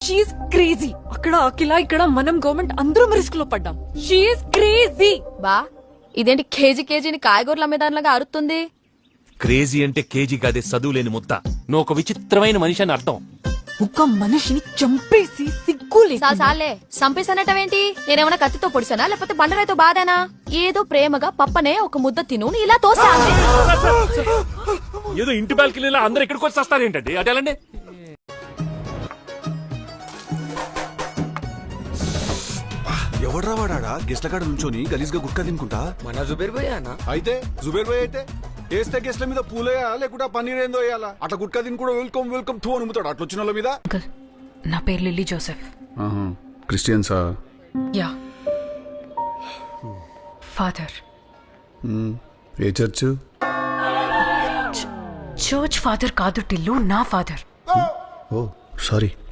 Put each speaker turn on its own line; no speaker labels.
She is crazy. అక్కడ అఖిల, ఇక్కడ మనం గవర్నమెంట్ అందరం రిస్క్ లో పడ్డాం. She's crazy.
బా ఇదేంటి కేజీని కాయగూరల అమ్మేదానిలాగా అరుతుంది?
క్రేజీ అంటే కేజీ కాదే, చదువులేని ముద్ద. నువ్వు ఒక విచిత్రమైన మనిషి అని అర్థం.
ఒక మనిషిని చంపేసి సిగ్గులే.
సాలే సంపేసనటవేంటి? నేనేమన్నా కత్తితో పొడిసానా లేకపోతే బండరాయితో బాధానా? ఏదో ప్రేమగా పప్పనే ఒక ముద్ద తిను ఇలా తోసా.
ఏదో ఇంటి బాల్కనీలో అందరు ఇక్కడికి వచ్చి వస్తారేంటండి? అదేలండి.
ఎవడ్రా వాడా గెస్ట్ల కాడ నుంచోని గలీజ్గా గుట్కా తినుకుంటా?
మన జుబేర్ భయ్య అన్న.
అయితే జుబేర్ భాయ్ అయితే వేస్తే గెస్ట్ల మీద పూలేయా లేకుంటే పన్నీర్ ఏందో వేయాలా? అట్లా గుట్కా తిని కూడా వెల్కమ్ వెల్కమ్ టూ అనుముతాడు అట్లా వచ్చిన వాళ్ళ మీద.
నా పేరు లిల్లీ జోసెఫ్.
క్రిస్టియన్సా?
యా. ఫాదర్.
ఏ చర్చ్?
చర్చ్ ఫాదర్ కాదు టిల్లు, నా ఫాదర్.
ఓ సారీ.